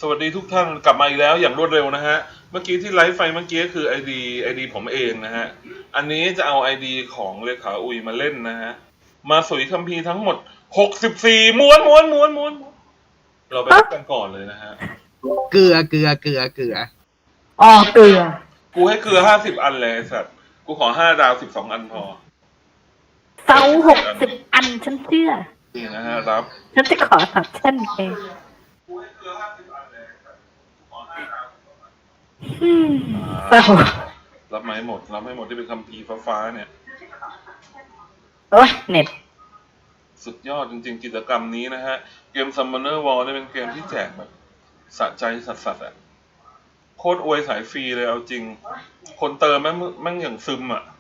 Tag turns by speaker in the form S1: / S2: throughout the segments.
S1: สวัสดีทุกท่านกลับมาอีกแล้วอย่างรวดเร็วนะฮะเมื่อกี้ที่ไลฟ์ไฟเมื่อกี้คือไอดีผมเองนะฮะอันนี้จะเอาไอดีของเลขาอุยมาเล่นนะฮะมาสุยคัมภีร์ทั้งหมด64ม้วนเราไปรับกันก่อนเลยนะฮะ
S2: เกลือ
S3: อ๋อเกลือ
S1: กูให้เกลือ50 อันเลยสัตว์กูขอ5 ดาว12 อันพอ
S3: เซา60 อันฉันเชื่อ
S1: นี่นะฮะรับ
S3: ฉันจะขอสับเช่นเอง
S1: กูให้เกลือ50 อันเลยขอ5 ดาว12 อัน
S3: เศร้า
S1: รับไม่หมดที่เป็นคัมภีร์ฟ้าเนี่ย
S3: โอ้ยเน็ต
S1: สุดยอดจริงๆกิจกรรมนี้นะฮะเกม Summoner War เนี่ยเป็นเกมที่แจกแบบสะใจสัสๆอ่ะโคตรอวยสายฟรีเลยเอาจริงคนเติมแม่งอย่างซึมอ่ะ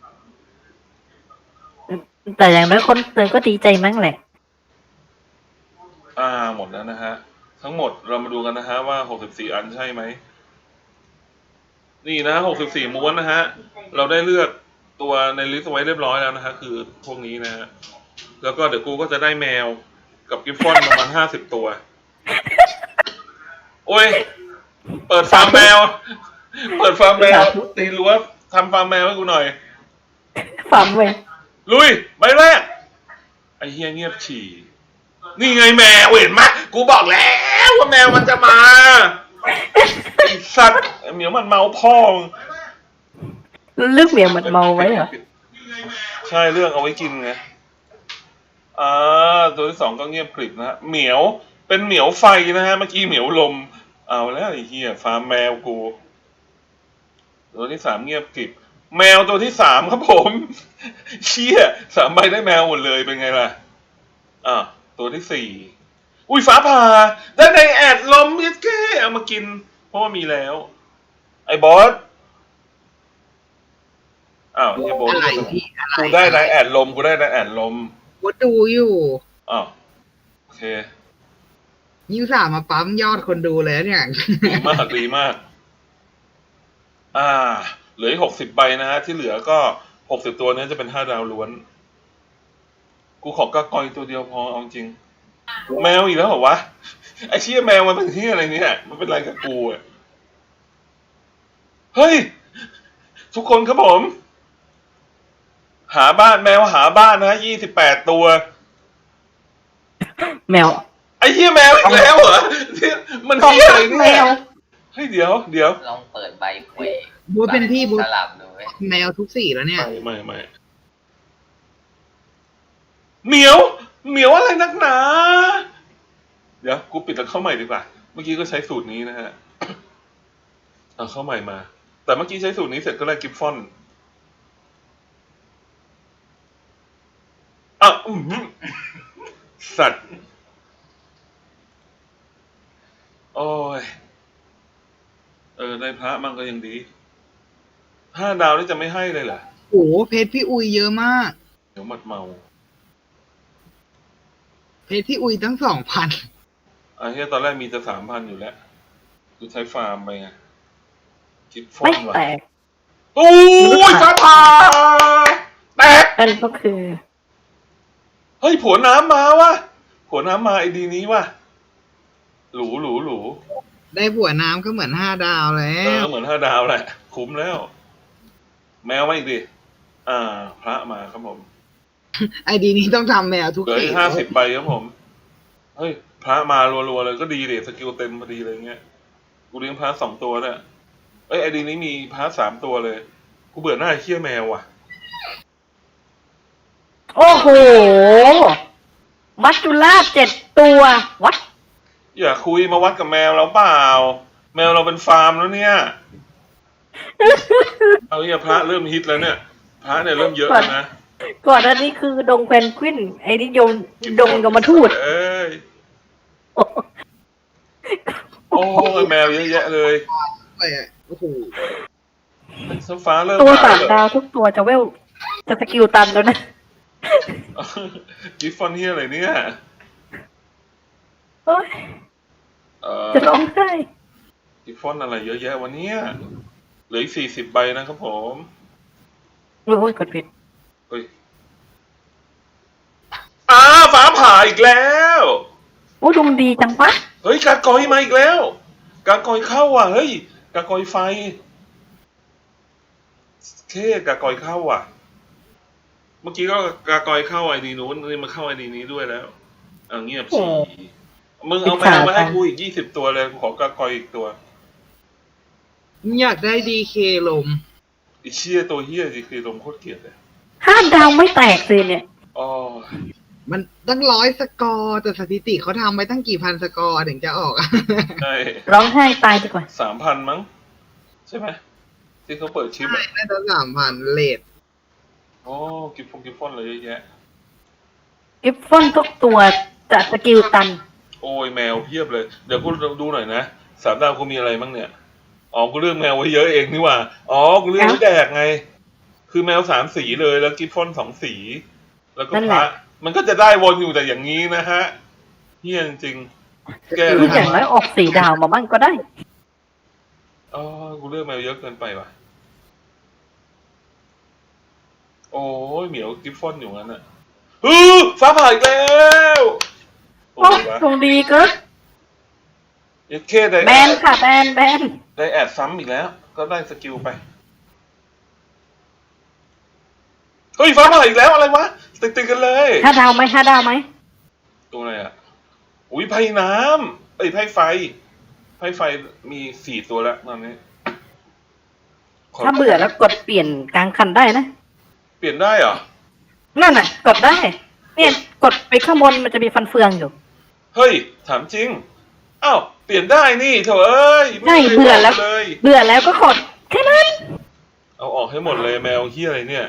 S3: แต่อย่างน้อยคนเตือนก็ดีใจมั้งแหละ
S1: หมดแล้วนะฮะทั้งหมดเรามาดูกันนะฮะว่า64 อันใช่ไหมนี่นะ64 ม้วนนะฮะเราได้เลือกตัวในลิสต์ไว้เรียบร้อยแล้วนะฮะคือพวกนี้นะฮะแล้วก็เดี๋ยวกูก็จะได้แมวกับกิฟฟอนประมาณ50 ตัวโอ้ยเปิดฟาร์มแมวตีรั้วทำฟาร์มแมวให้กูหน่อย
S3: ฟาร์มแมว
S1: ลุยใบแรกไอ้เฮียเงียบฉี่นี่ไงแมวเห็นไหมกูบอกแล้วว่าแมวมันจะมาไอ้สัตว์เหมียวมันเมาพ่อ
S3: เลือกเหมียวมันเมาไว้เหรอ
S1: ใช่เรื่องเอาไว้กินไงตัวที่ 2ก็เงียบกริบนะฮะเหมียวเป็นเหมียวไฟนะฮะเมื่อกี้เหมียวลมเอาแล้วไอ้เหี้ยฟาร์มแมวกูตัวที่ 3เงียบกริบแมวตัวที่ 3ครับผมเชี่ย3 ใบได้แมวหมดเลยเป็นไงล่ะตัวที่ 4อุ้ยฟ้าผ่าได้ในแอดลมเยสเก้เอามากินเพราะว่ามีแล้วไอ้บอสเฮียโบสกูได้ในแอดลมกู
S2: ดูอยู่
S1: โอเค
S2: ยิ่งสามมาปั๊มยอดคนดูเลยเนี่ย
S1: ดีมากเหลืออีก60 ใบนะฮะที่เหลือก็60 ตัวนี้จะเป็น5 ดาวล้วนกูขอกากอยตัวเดียวพอเอาจริงแมวอีกแล้วเหรอวะไอ้เชี่ยแมวมันเป็นที่อะไรเนี่ยมันเป็นอะไรกับกูอ่ะเฮ้ยทุกคนครับผมหาบ้านแมวหาบ้านนะ28 ตัว
S3: แมว
S1: ไอ้เหี้ยแมวอีกแล้วเหรอมันเหี้ยอะไรเนี่ยเฮ้ยเดี๋ยว
S4: ลองเปิดใบเคว
S2: บูเป็นพี่บู
S4: สลับดู
S2: แมวทุกสีแล้วเนี่ย
S1: ไม่เหมียวอะไรนักหนาเดี๋ยวกูปิดแล้วเข้าใหม่ดีกว่าเมื่อกี้ก็ใช้สูตรนี้นะฮะเอาเข้าใหม่มาแต่เมื่อกี้ใช้สูตรนี้เสร็จก็ได้กิฟฟอนสัตว์โอ้ยได้พระมั่งก็ยังดี5 ดาวนี่จะไม่ให้เลยเหรอ
S2: โอ้เพชรพี่อุยเยอะมาก
S1: เดี๋ยวมัดเมา
S2: เพชรพี่อุยตั้ง2,000
S1: เฮียตอนแรกมีจะ3,000อยู่แล้วกูใช้ฟาร์มไปไงคิดฟอนว่ะโอ้ยฟ้าผ่าแตก
S3: อันก็คือ
S1: เฮ้ยผัวน้ำมาวะผัวน้ำมาไอดีนี้วะหรู
S2: ได้ผัวน้ำก็เหมือน5 ดาวแล้ว
S1: เหมือน5 ดาวแหละคุ้มแล้วแมวมาอีกดิพระมาครับผม
S2: ไอดีนี้ต้องทำแมวทุก
S1: ที50 ใบครับผมเฮ้ยพระมารัวๆเลยก็ดีเดสกิลเต็มพอดีเลยเงี้ยกูเลี้ยงพระ2 ตัวเนี่ยไอดีนี้มีพระ3 ตัวเลยกูเบื่อหน้าเคี้ยแมวว่ะ
S3: โอ้โหมัจจุราช7 ตัววัด
S1: อย่าคุยมาวัดกับแมวเราเปล่าแมวเราเป็นฟาร์มแล้วเนี่ยเอาเนี่ยพระเริ่มฮิตแล้วเนี่ยพระเนี่ยเริ่มเยอะแล้วนะ
S3: ก่อนอันนี้คือดงแพนกวินไอ้นี่ดงยมทูต
S1: โอ้ยแมวเยอะแยะเลย
S2: โอ้โห
S1: ฟ้าเริ่ม
S3: ตัว3 ดาวทุกตัวจะสกิลตันแล้วนะ
S1: กิฟฟอนเฮียอะไรเนี่ย
S3: จะร้องไห้
S1: กิฟฟอนอะไรเยอะแยะวันนี้เหลืออีก40 ใบนะครับผม
S3: โอ้ยกดผิด
S1: เฮ้ยฟ้าผ่าอีกแล้ว
S3: โอ้ดวงดีจังปะ
S1: เฮ้ยกากอยมาอีกแล้วกากอยเข้าอ่ะเฮ้ยกากอยไฟเคกากอยเข้าอ่ะ เมื่อกี้ก็กากอยเข้าไอดีนู้นนี่มาเข้าไอดีนี้ด้วยแล้วเงียบสิมึงเอาแมวมาให้กูอีก20 ตัวเลยขอกากอยอีกตัว
S2: อยากได้ดีเคลม
S1: ไอเชี่ยตัวเฮี้ยสิคือลมโคตรเกลียดเลย
S3: 5 ดาวไม่แตกเลยเนี่ย
S1: อ๋อ
S2: มันตั้ง100 สกอร์แต่สถิติเขาทำไปตั้งกี่พันสกอร์ถึงจะออกอะ
S1: ใช่
S3: ร้องไห้ตายดีกว่า
S1: 3,000มั้งใช่ไหมที่เขาเปิดชิปอ่ะ
S2: น่าจะ3,000เลท
S1: โอ้กิฟฟอนเลยเยอะแยะ
S3: กิฟฟอนทุกตัวจะสกิลตัน
S1: โอ้ยแมวเพียบเลยเดี๋ยวกูดูหน่อยนะ3 ดาวกูมีอะไรบ้างเนี่ยอ๋อกูเลือกแมวไว้เยอะเองนี่หว่าอ๋อกูเลือกไว้แดกไง คือแมว3 สีเลยแล้วกิฟฟอน2 สี แล้วก็
S3: นั่น
S1: พ
S3: แห
S1: ระ
S3: ละ
S1: มันก็จะได้วนอยู่แต่อย่างนี้นะฮะเฮี้ยจริงๆแก
S3: คืออย่างน้อยออก4 ดาวมาบ้างก็ได้
S1: อ๋อกูเลือกแมวเยอะเกินไปว่ะโอ้ยเหมียวกิฟฟอนอยู่งั้นอ่ะฟ้าผ่าอีกแล้วโอ้
S3: โอ้
S1: ยวะ
S3: ดวงดีเกิน
S1: ยัดเคได้
S3: แบนค่ะแบน
S1: ได้แอดซ้ำอีกแล้ว ก็ได้สกิลไปเฮ้ยฟ้าผ่าอีกแล้วอะไรวะติดกันเลย
S3: 5 ดาวไหม5 ดาวไหม
S1: ตัวอะไรอ่ะอุ้ยไพ่น้ำไพ่ไฟไพ่ไฟมี4 ตัวแล้วตอนนี้ข
S3: ถ้าเบื่อแล้วกดเปลี่ยนกลางคันได้นะ
S1: เปลี่ยนได้เหรอ
S3: นั่นน่ะ กดได้ เนี่ยกดไปข้างบนมันจะมีฟันเฟืองอยู่
S1: เฮ้ยถามจริงอ้าวเปลี่ยนได้นี่เถอะเอ้ย
S3: ใช่
S1: ไม่คย
S3: เบื่อแล้ว
S1: บกเลย
S3: เบื่อแล้วก็กดแค่นั้น
S1: เอาออกให้หมดเลยแมวเฮียอะไรเนี่ย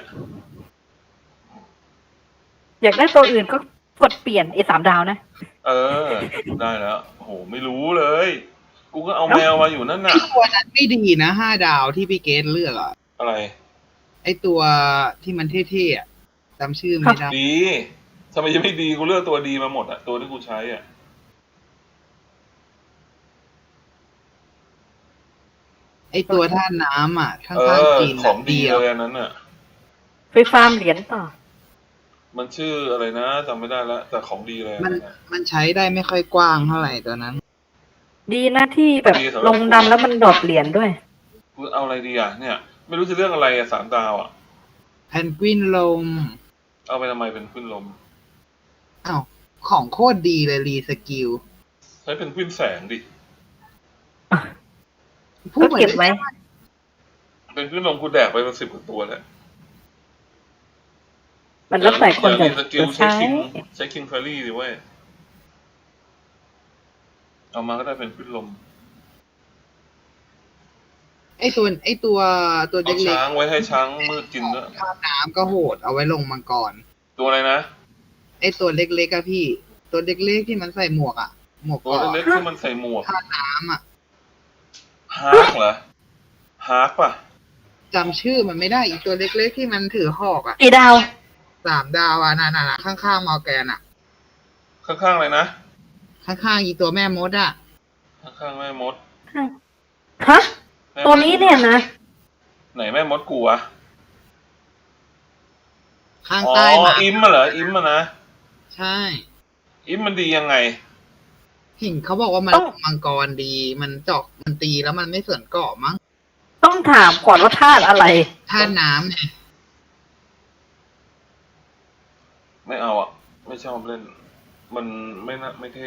S3: อยากได้ตัวอื่นก็กดเปลี่ยน3 ดาวนะ
S1: เออ ได้แล้วโอ้โหไม่รู้เลย กูก็เอาแมวมาอยู่นั่น
S2: ไอ
S1: น่ะ
S2: ตัวนั้นไม่ดีนะ5 ดาวที่พี่เกตเลือกอะ
S1: อะไร
S2: ไอตัวที่มันเท่ๆอะจำชื่อไม่ได้
S1: ดีทำไมยังไม่ดีกูเลือกตัวดีมาหมดอะตัวที่กูใช้อะ
S2: ไอตัวท่าน้ำอะข้
S1: เอ
S2: าง
S1: อ
S2: ๆจีน
S1: ของดี
S2: เดียว
S1: เลยอันนั้นอะ
S3: ไปฟาร์มเหรียญต่อ
S1: มันชื่ออะไรนะจำไม่ได้แล้วแต่ของดีเลยอัน
S2: มัน
S1: นั้นอะ
S2: มันใช้ได้ไม่ค่อยกว้างเท่าไหร่ตัวนั้น
S3: ดีนะที่แบบลงดันแล้วมันดรอปเหรียญด้วย
S1: กูเอาอะไรดีอะเนี่ย ไม่รู้จะเลือกอะไรอะ3 ดาวอะ
S2: แพนกวินลม
S1: เอาไปทำไมเป็นขึ้นลม
S2: อ้าวของโคตรดีเลยรีสกิล
S1: ใช้เป็นขึ้นแสงดิ
S2: พูด
S3: ก็
S2: เหมือน
S3: เก็บไว้
S1: เป็นขึ้นลมกูแดกไปเป็น10 กว่าตัวแล้ว
S3: มันแล้วแต่คนจะ
S1: สกิลใช้
S3: ใช้
S1: คิงเฟอรี่ดิเว้ยเอามาก็ได้เป็นขึ้นลม
S2: ไอตัวตัว
S1: เอา
S2: เล็ก
S1: ช้างไว้ให้ช้างมืดกินด้วย
S2: ๆท่าน้ำก็โหดเอาไว้ลงมังกร
S1: ตัวอะไรนะ
S2: ไอตัวเล็กๆอะพี่ ตัวเล็กๆที่มันใส่หมวกอะหมวก
S1: ตัว
S2: เกาะ
S1: เล็กๆที่มันใส่หมวก
S2: ท่าน้ำอะ
S1: ฮาร์กเหรอฮาร์กป่ะ
S2: จำชื่อมันไม่ได้อีกตัวเล็กๆที่มันถือหอกอะ
S3: กี่ดาว
S2: 3 ดาวอะนั่นๆข้างๆมอร์แกนอะ
S1: ข้างๆเลยนะ
S2: ข้างๆอีตัวแม่มดอะ
S1: ข้างๆแม่มด
S3: ฮะ ตัวนี้เนี่ยนะ
S1: ไหนแม่มดกูวะ
S2: ข้าง
S1: อ๋อ
S2: ใต้มา
S1: อิมมาเหรออิมมานะ
S2: ใช่
S1: อิมมันดียังไง
S2: เห็นเขาบอกว่ามันมังกรดีมันเจาะมันตีแล้วมันไม่ส่วนเกาะมั้ง
S3: ต้องถามก่อนว่าธาตุอะไร
S2: ท่าน้ำไง
S1: ไม่เอาอ่ะ ไม่ชอบเล่น มันไม่เท่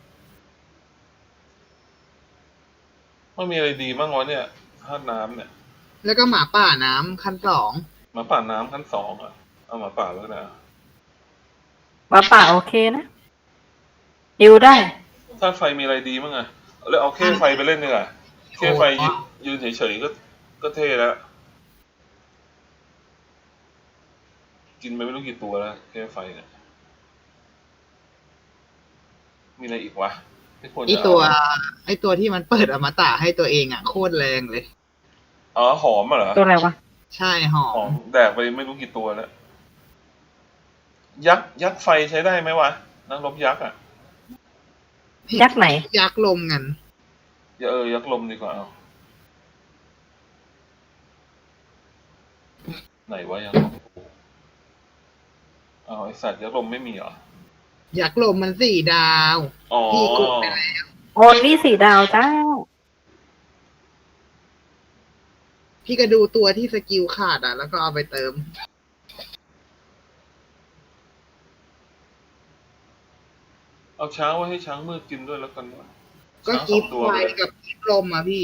S1: มันมีอะไรดีบ้างวะเนี่ยธาตุน้ำเนี่ย
S2: แล้วก็หมาป่าน้ำขั้น2
S1: หมาป่าน้ำขั้น2อ่ะเอาหมาป่าแล้วนะ
S3: มาป่าโอเคนะดิวได้
S1: ธาตุไฟมีอะไรดีบ้างอะแล้วเอาเข้ไฟไปเล่นดีกว่าเข้ไฟยืนเฉยๆก็เท่แล้ว กินไปไม่รู้กี่ตัวแล้วเข้ไฟเนี่ยมีอะไรอีกวะที่ควร
S2: ไอ
S1: จะ
S2: ตัว
S1: เอา
S2: ไอตัวที่มันเปิดอมตะให้ตัวเองอ่ะโคตรแรงเลย
S1: อ๋อหอมอ่ะเหรอ
S3: ตัวอะไรวะ
S2: ใช่หอ
S1: หอ
S2: ม
S1: มแดกไปไม่รู้กี่ตัวแล้ว ยักษ์ไฟใช้ได้ไหมวะนักรบยักษ์อ่ะ
S3: ยักษ์ไหน
S2: ยักษ์ลมกัน
S1: ยักษ์ลมดีกว่าเอาไหนวะยักษ์ลมเอาไอสัตว์ยักษ์ลมไม่มีเหรอ
S2: ยักษ์ลมมัน4 ดาว
S1: อ๋อ
S2: พี่กดไปแล้ว
S3: โอ้โอนนี่4 ดาวจ้า
S2: พี่ก็ดูตัวที่สกิลขาดแล้วก็เอาไปเติม
S1: เอาช้างไว้ให้ช้างมืดกินด้วยแล้วกันวะ
S2: ก็
S1: ช้าง
S2: กิ
S1: ส
S2: ฟ
S1: อง
S2: ต์
S1: ตัว
S2: ไฟ
S1: ไปเลย
S2: กับกิฟต์ลมพี่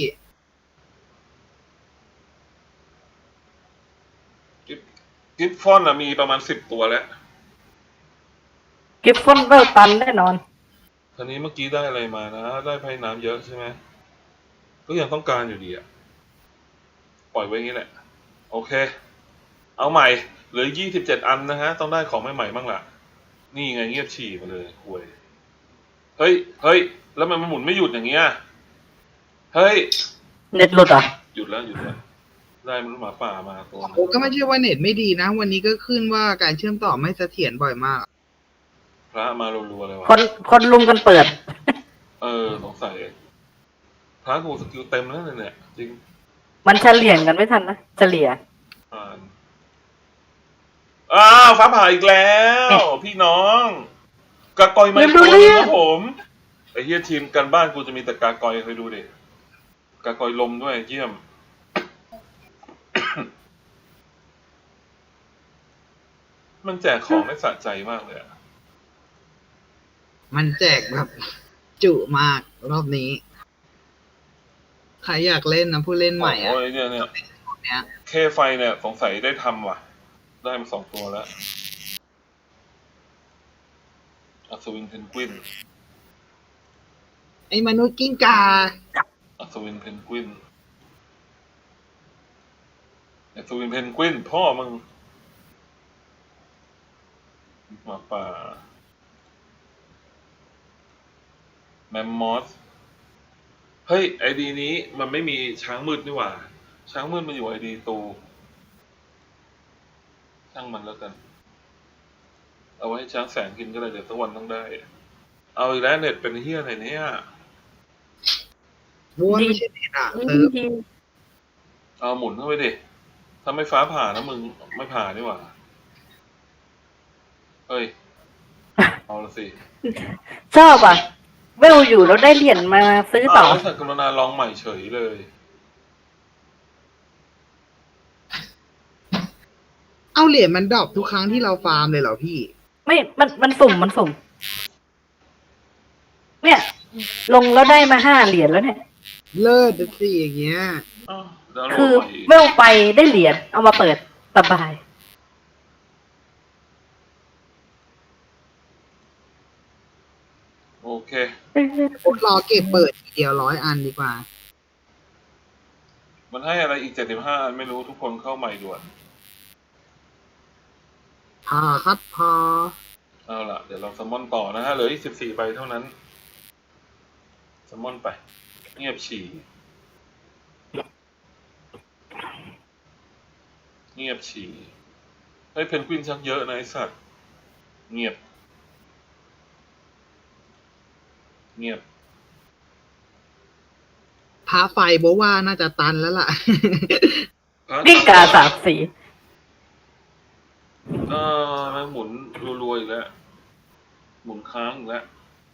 S1: กิฟฟอนมีประมาณ10 ตัวแล้ว
S3: กิฟฟอนเวลตันแน่นอน
S1: ทีนี้เมื่อกี้ได้อะไรมานะ ได้ไพ่น้ำเยอะใช่ไหมก็ยังต้องการอยู่ดีอะปล่อยไว้อย่างนี้แหละ โอเค เอาใหม่เหลือ27 อันนะฮะ ต้องได้ของใหม่ๆบ้างล่ะ นี่ไงเงียบฉี่มาเลยห่วย เฮ้ย แล้วมันหมุนไม่หยุดอย่างเงี้ย เฮ้ย
S3: เน็ตหลุดเหรอ่ะ
S1: หยุดแล้ว ได้มันษย์หมาป่ามาตัวนึง
S2: โอ้ก็ไม่ใช่ว่าเน็ตไม่ดีนะ วันนี้ก็ขึ้นว่าการเชื่อมต่อไม่เสถียรบ่อยมาก
S1: พระมารัวๆเลยวะ
S3: คนลุมกันเปิด
S1: สงสัยพระกูสกิลเต็มแล้วเนี่ย จริง
S3: มันเฉลี่ยกันไม่ทันนะเฉลี่ย
S1: อ่านอ้าวฟ้าผ่าอีกแล้ว พี่น้องกากอยไม่
S3: ไม่รู้
S1: ตัว
S3: เรื่
S1: นึง
S3: อง
S1: ครับผมไอ้เฮียทีมกันบ้านกูจะมีแต่กากอยเคยดูดิกากอยลมด้วยเยี่ยม มันแจกของได้สะใจมากเลยอะ
S2: มันแจกแบบจุมากรอบนี้ ใครอยากเล่นนะผู้เล่นใหม่
S1: โอ้ยเนี่ย
S2: เนี้ย
S1: เคไฟเนี่ยสงสัยได้ทำว่ะ ได้มา2 ตัวแล้วอัศวินเพนกวิน
S2: ไอ้มนุษย์กิ้งกา
S1: อัศวินเพนกวินอัศวินเพนกวินพ่อมึงหมาป่าแมมมอสเฮ้ยไอดีนี้มันไม่มีช้างมืดนี่หว่า ช้างมืดมันอยู่ไอดีตูช่างมันแล้วกัน เอาไว้ให้ช้างแสงกินก็ได้เดี๋ยวสักวันต้องได้ เอาอีกแล้วเน็ตเป็นเฮียอะไรเนี่ย
S2: บ้วนไม่ใช่เน็ตเติม
S1: เอาหมุนเข้าไปดิ ถ้าไม่ฟ้าผ่านะมึงไม่ผ่านี่หว่า เฮ้ย เอาละสิ
S3: ชอบอ่ะ เวลอยู่แล้วได้เหรียญมาซื้อต่อ
S1: แล้วสักกรุณาลองใหม่เฉยเลย
S2: เอาเหรียญมันดรอปทุกครั้งที่เราฟาร์มเลยเหรอพี่
S3: ไม่มันสุ่ม เนี่ย ลงแล้วได้มา5 เหรียญแล้วเนี่ย
S2: เลิศสิอย่างเงี้ย
S1: อ้าวดาวน์โหล
S3: คื
S1: ด
S3: อ
S1: ใหม่อีก
S3: เวลไปได้เหรียญเอามาเปิดสบาย
S1: โอเค
S2: รอเก็บเปิดทีเดียว100 อันดีกว่า
S1: มันให้อะไรอีก75 อันไม่รู้ทุกคนเข้าใหม่ด่วน
S2: พาครับพา
S1: เอาล่ะ เดี๋ยวเราสมมอนต่อนะฮะเหลืออีก14 ใบเท่านั้นสมมอนไป เงียบฉี่ เงียบฉี่เฮ้ยเพนกวินชักเยอะนะไอสัตว์ เงียบ เงียบ
S2: พาไฟโบว่าน่าจะตันแล้วล่ะ
S3: กิ้งกา3 สี
S1: มันหมุนรัวๆอีกแล้ว หมุนค้างอีกแล้ว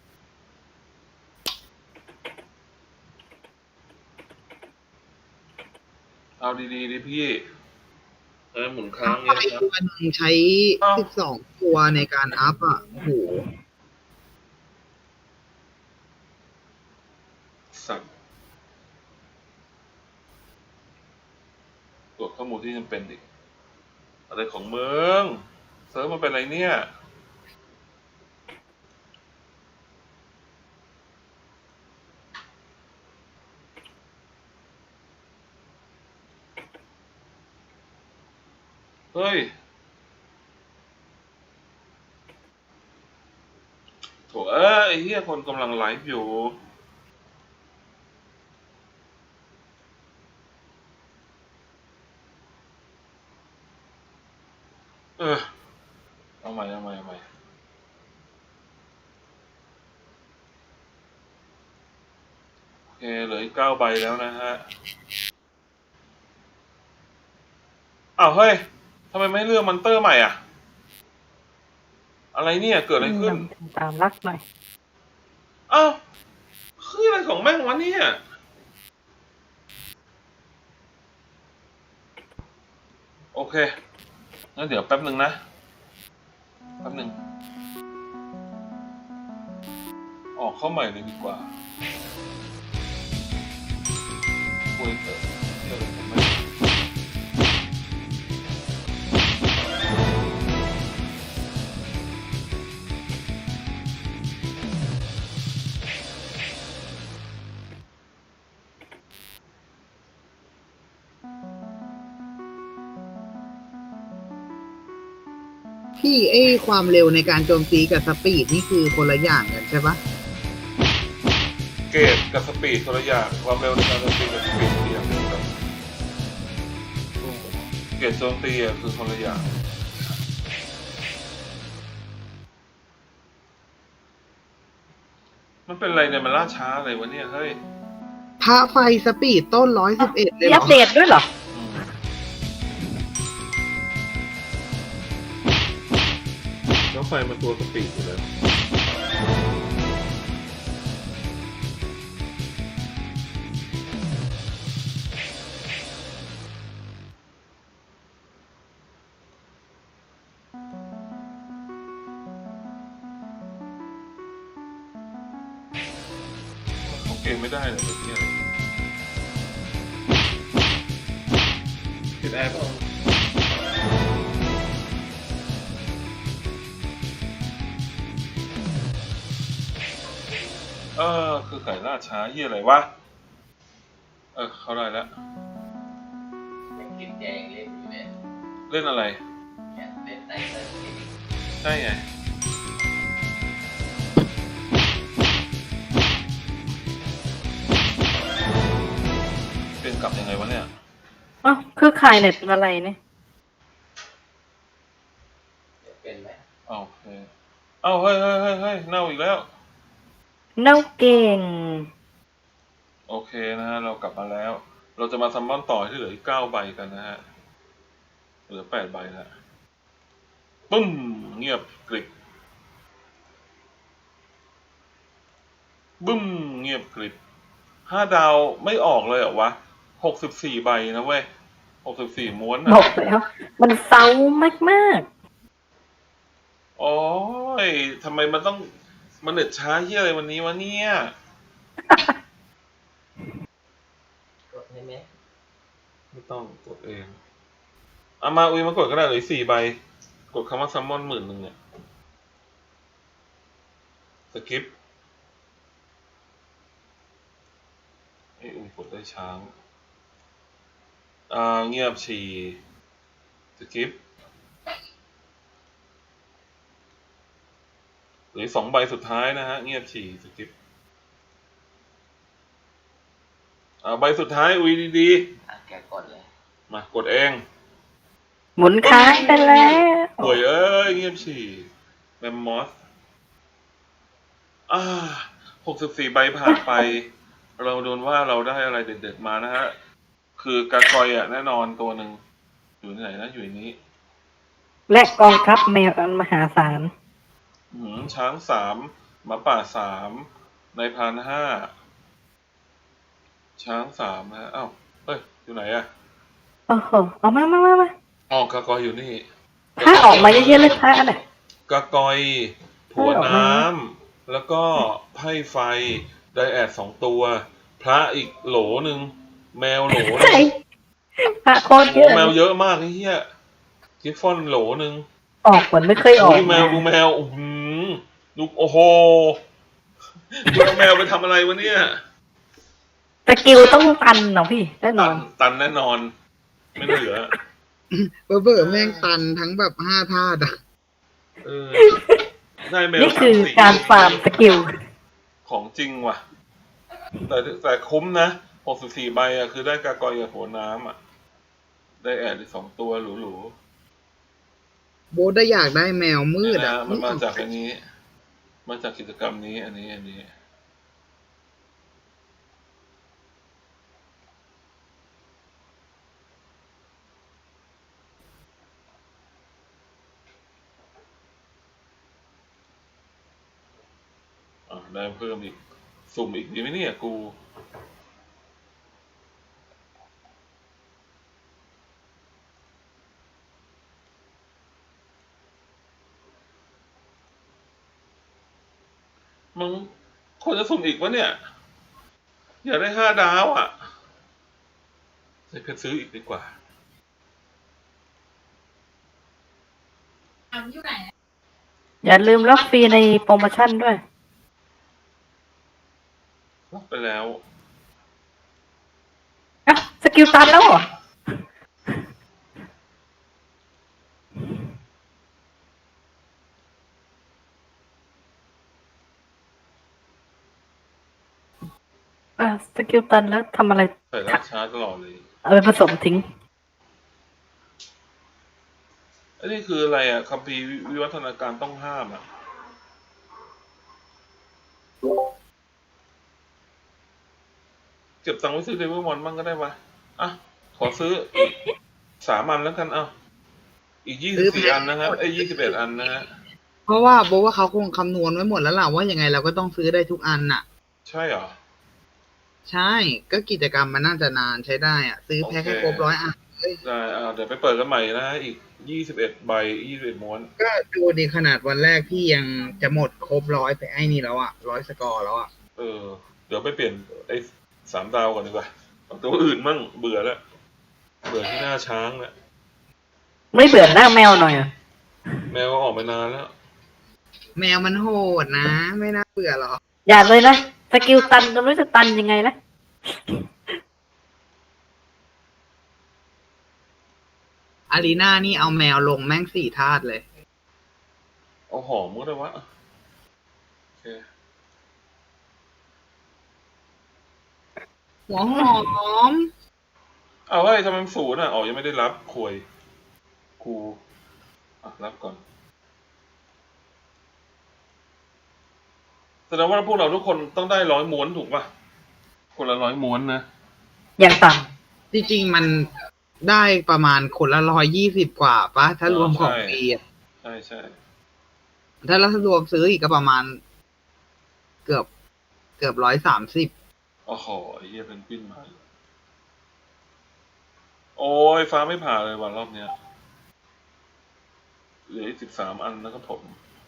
S1: เอาดีๆดิพี่ หมุนค้าง
S2: ไฟ
S1: เงี้ยนะ
S2: ตัวหนึ่งใช้ 12 ตัวในการอัพอ่ะโอ้โห
S1: สัตว์ตรวจข้อมูลที่จำเป็นอีก อะไรของมึงเซิร์ฟมันเป็นอะไรเนี่ย เฮ้ยโถไอ้เหี้ยคนกำลังไลฟ์อยู่ เอาใหม่โอเคเหลืออีก9 ใบแล้วนะฮะ อ้าวเฮ้ยทำไมไม่เลือกมอนเตอร์ใหม่อ่ะ อะไรเนี่ยเกิดอะไรขึ้น
S3: ตามรักหน่อย
S1: อ้าวคืออะไรของแม่งวะเนี่ยโอเคงั้นเดี๋ยวแป๊บหนึ่งนะแป๊บหนึ่งออกเข้าใหม่เลยดีกว่าคุยเถอะเดี๋ยวผมไม่
S2: พี่ความเร็วในการโจมตีกับสปีดนี่คือคนละอย่างกันใช่ปะ
S1: เกรดกับสปีดคนละอย่างความเร็วในการโจมตีกับสปีดคืออย่างเดียวกันเกรดโจมตีอะคือคนละอย่างมันเป็นอะไรเนี่ยมันล่าช้าอะไรวะเนี่ยเฮ้ย
S2: พระไฟสปีดต้น111เลย
S3: มี
S2: เหร
S3: อั
S2: อ
S3: ปเดตด้วยเหรอ
S1: แล้วไฟมันตัวสปีดอยู่แล้วเขาเกมไม่ได้เลยเนี่ยติดแอร์ป่ะคือไก่ล่าช้าเหี้ยอะไรวะเข้าได้แล้ว
S4: ยังกินแดงเล่นอยู่เลย
S1: เล่นอะไร
S4: เนี่ยเล่นไนเตอร์เกม
S1: ใช่ไงเป็นกลับยังไงวะเนี่ย
S3: อ้าวคือขายเน็ตอะไรเนี่ย
S4: เป็นไหม
S1: โอเคเฮ้ยเน่าอีกแล้ว
S3: เน่าเก่ง
S1: โอเคนะฮะ เรากลับมาแล้ว เราจะมาซัมมอนต่อที่เหลืออีก9 ใบกันนะฮะ เหลือ8 ใบแล้วปึ้ม เงียบกริบบึ้ม เงียบกริบ5 ดาวไม่ออกเลยเหรอวะ64 ใบนะเว้ย64 ม้วน
S3: บ
S1: อ่ะ
S3: อกแล้ว มันเซามาก
S1: โอ้ยทำไมมันต้องมันเน็ตช้าเหี้ยอะไรวันนี้วะเนี่ย
S4: กดให้ไหม
S1: ไม่ต้องกดเองมาอุ้ยมากดก็ได้เลย4 ใบ กดคำว่าซัมมอน10,000เนี่ยสกิปอุ้ยกดได้ช้าเงียบฉี่สกิปหรือ2 ใบสุดท้ายนะฮะเงียบฉี่สกิปใบสุดท้ายอุ้ยดี
S4: แกกดเลย
S1: ๆมากดเอง
S3: ๆ หมุนค้างไปแล้ว
S1: ป่วยเงียบฉี่แมมมอส64 ใบผ่านไป เราโดนว่าเราได้อะไรเด็ดๆมานะฮะ คือกากอยแน่นอนตัวหนึ่งอยู่ที่ไหนนะอยู่ในนี้
S3: และกองทัพแมวอันมหาศาล
S1: ช้าง3หมาป่า3นายพราน5ช้าง3นะเฮ้ยอยู่ไหนอะ
S3: โอ้โห เอามา
S1: กากอยอยู่นี่
S3: ถ้าออกมาเยอะๆเลยพระน่ะ
S1: กากอยผัวน้ำแล้วก็ไพ่ไฟไดแอด2 ตัว พระอีกโหลหนึ่งแมวโหลหนึ่ง
S3: พระโคตรเย
S1: โอ้
S3: อะ
S1: แมวเยอะมากไอ้เหี้ยกิฟฟอนโหลหนึ่ง
S3: ออกเหมือนไม่เคยออก
S1: ดูแมวดูโอ้โหดูแมวไปทำอะไรวะเนี่ย
S3: สกิลต้องตันเนาะพี่แน่นอน
S1: ตันแน่นอน ไม่เหลือ
S2: เบอร์แม่งตันทั้งแบบ5 ธาตุอะ
S1: เออได้แมว
S3: นี่คือ
S1: 3-4
S3: การฟาร์มสกิล
S1: ของจริงว่ะ แต่คุ้มนะ64 ใบอะคือได้กากอยกับหัวน้ำอะได้แอดอีก2 ตัวหรู
S2: โบทได้อยากได้แมวมืด
S1: ๆ
S2: อะ
S1: มันมาจากอันนี้ มาจากกิจกรรมนี้อันนี้ได้เพิ่มอีกสุ่มอีกดีไหมเนี่ยกูมึงควรจะสุ่มอีกวะเนี่ย อยากได้5 ดาวอ่ะใช้เพชรซื้ออีกดีกว่า
S3: อย่าลืมล็อกฟรีในโปรโมชั่นด้วย
S1: รับไปแล้ว
S3: อ่ะสกิลตันแล้วเหรออ่ะสกิลตันแล้วทำอะไร
S1: ใส่ราดช้าตลอดเลย
S3: เอาไปผสมทิ้ง
S1: อันนี้คืออะไรอ่ะคัมภีร์วิวัฒนาการต้องห้ามอ่ะ เก็บตังค์ไว้ซื้อเดวิลมอนบ้างก็ได้ปะอ่ะ ขอซื้ออีก3 อันแล้วกันเอาอีก24 อันนะครับ21 อันนะฮะ
S2: เพราะว่าโบว่าเขาคงคำนวณไว้หมดแล้วล่ะว่ายังไงเราก็ต้องซื้อได้ทุกอันน่ะ
S1: ใช่เหรอ
S2: ใช่ ก็กิจกรรมมันน่าจะนานใช้ได้อ่ะ ซื้อแพ็คให้ครบ100 อัน
S1: ได้เดี๋ยวไปเปิดกันใหม่นะฮะอีก21 ใบ21 ม้วน
S2: ก็ดูดีขนาดวันแรกพี่ยังจะหมดครบ100ไปไอ้นี่แล้วอ่ะ100 สกอร์แล้วอ่ะ
S1: เดี๋ยวไปเปลี่ยนไอ้3 ดาวก่อนดีกว่าเอาตัวอื่นมั่งเบื่อแล้ว เบื่อที่หน้าช้างแล้ว
S3: ไม่เบื่อหน้าแมวหน่อยอ่ะ
S1: แมวก็ออกไปนานแล้ว
S2: แมวมันโหดนะ ไม่น่าเบื่อหรอก
S3: อย่าเลยนะสกิลตันก็ไม่รู้จะตันยังไงนะ
S2: อารีนานี่เอาแมวลงแม่ง4 ธาตุเลย
S1: เอาหอมก็ได้วะโอเค
S2: หัวหอม
S1: เอาเฮ้ยทำไมมัน0อ่ะอ๋อยังไม่ได้รับควยกูรับก่อนแสดงว่าพวกเราทุกคนต้องได้100 ม้วนถูกป่ะ คนละ100 ม้วนนะ
S3: อย่างต่
S2: จริงๆมันได้ประมาณคนละ120 กว่าปะถ้ารวมของฟรีอะ
S1: ใช่ใช่
S2: ถ้าเรารวมซื้ออีกก็ประมาณ เกือบ130
S1: โอ้โหไอ้เหี้ยเป็นปิ้นมาโอ้ยฟ้าไม่ผ่าเลยวันรอบเนี้ยเหลืออีก13 อันนะครับผม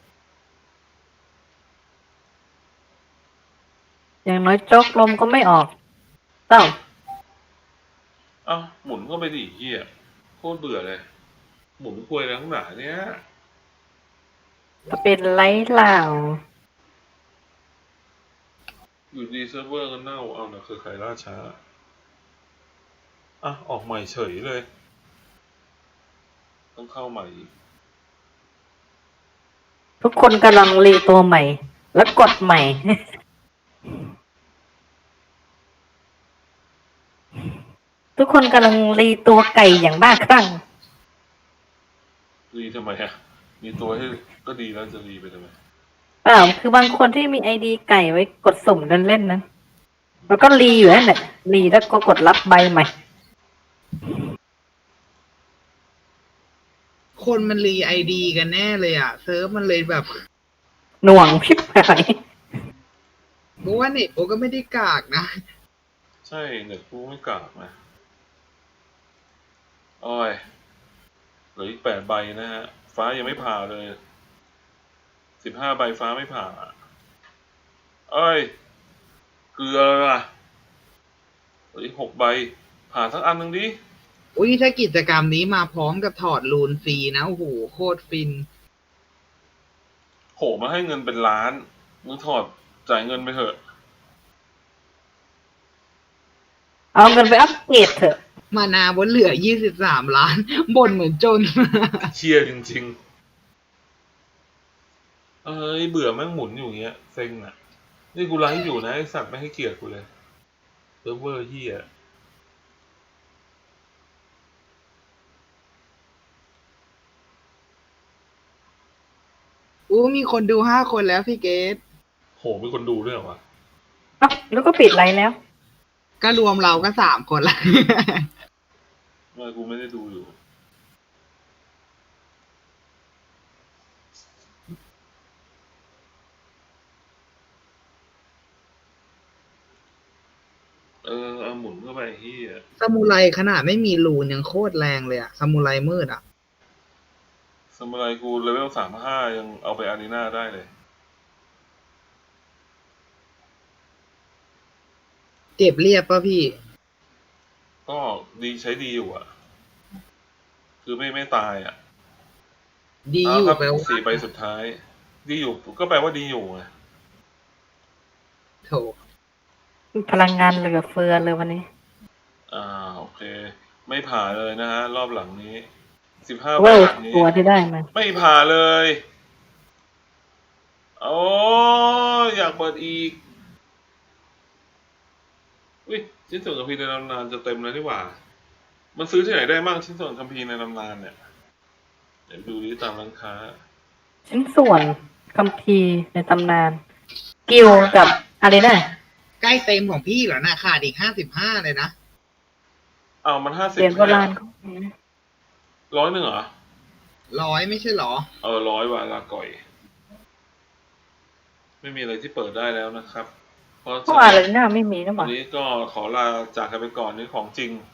S3: ำอย่างน้อยโจ๊กลมก็ไม่ออกเต้า
S1: อ้าวหมุนก็ไปดิเหี้ยโคตรเบื่อเลย หมุนควยแล้วข้างหนาเนี้ย
S3: จะเป็นไรเล่า
S1: อยู่ดีเซิร์ฟเวอร์ก็เน่าเอานะคือใครล่าช้าออกใหม่เฉยเลย ต้องเข้าใหม่อีก
S3: ทุกคนกำลังรีตัวใหม่ แล้วกดใหม่ ทุกคนกำลังรีตัวไก่อย่างบ้าคลั่ง
S1: รีทำไมอะมีตัวให้ก็ดีแล้วจะรีไปทำไม
S3: เปล่าคือบางคนที่มีไอดีไก่ไว้กดสุ่มเล่นๆนะแล้วก็รีอยู่นั่นแหละรีแล้วก็กดรับใบใหม่
S2: คนมันรีไอดีกันแน่เลยอ่ะ เซิร์ฟมันเลยแบบ
S3: หน่วงพิบหาย
S2: โบว่าเน็ตโบก็ไม่ได้กากนะ
S1: ใช่เน็ตกูไม่กลับนะโอ้ยเหลืออีก8 ใบนะฮะ ฟ้ายังไม่ผ่าเลย15 ใบฟ้าไม่ผ่าเอ้ยเกลือล่ะเหลืออีก6 ใบผ่าสักอันหนึ่งดิ
S2: อุ้ยถ้ากิจกรรมนี้มาพร้อมกับถอดรูนฟรีนะ โอ้โห โคตรฟิน
S1: โหมาให้เงินเป็นล้านมึงถอดจ่ายเงินไปเถอะ
S3: เอาเงินไปอัปเกรดเถอะ
S2: มานาบนเหลือ23 ล้าน บ่นเหมือนจน
S1: เชียจริงๆ เบื่อแม่งหมุนอยู่อย่างเงี้ยเซ็งอ่ะ นี่กูไลฟ์อยู่นะไอสัตว์ไม่ให้เกียรติกูเลยเซิร์ฟเวอร์เฮีย
S2: อู้มีคนดู5 คนแล้วพี่เกต
S1: โหมีคนดูด้วยเหรอวะ
S3: อ้าวแล้วก็ปิดไลน์แล้ว
S2: ก็รวมเราก็3 คนละ
S1: ไม่กูไม่ได้ดูอยู่เอาหมุนเข้าไปไอ้เฮีย
S2: ซามูไรขนาดไม่มีรูนยังโคตรแรงเลยอะซามูไรมืดอะ
S1: สมุไรกูเลเวล35ยังเอาไปอารีนาได้เลย
S2: เก็บเรียบป่ะพี่
S1: ก็ดีใช้ดีอยู่อ่ะ คือไม่ตายอ่ะ
S2: ดีอยู่
S1: ครับ
S2: แปลว่า
S1: 4 ใบสุดท้าย ดีอยู่ก็แปลว่าดีอยู่ไง
S2: โถ
S3: พลังงานเหลือเฟือเลยวันนี้
S1: โอเค ไม่ผ่าเลยนะฮะ รอบหลังนี้15
S3: เว้ย
S1: บาทนี้
S3: ตัวที่ได้มา
S1: ไม่ผ่าเลย โอ้อยากเปิดอีกอุ้ยชิ้นส่วนคัมภีร์ในตำนานจะเต็มแล้วนี่หว่า มันซื้อที่ไหนได้บ้างชิ้นส่วนคัมภีร์ในตำนานเนี่ยเดี๋ยวดูดิตามร้านค้า
S3: ชิ้นส่วนคัมภีร์ในตำนาน กิลกับอะไรนะ
S2: ใกล้เต็มของพี่แล้วนะขาดอีก55เลยนะ
S1: เอามัน50
S3: เหรียญโบราณ
S1: 100เหรอ
S2: 100ไม่ใช่เหรอ
S1: 100ว่ะลาก่อย ไม่มีอะไรที่เปิดได้แล้วนะครับ เพราะ
S3: พวกอะไรน่าไม่มีนะห
S1: วั
S3: ว่าน
S1: นี้ก็ขอลาจากกันไปก่อนนี่ของจริง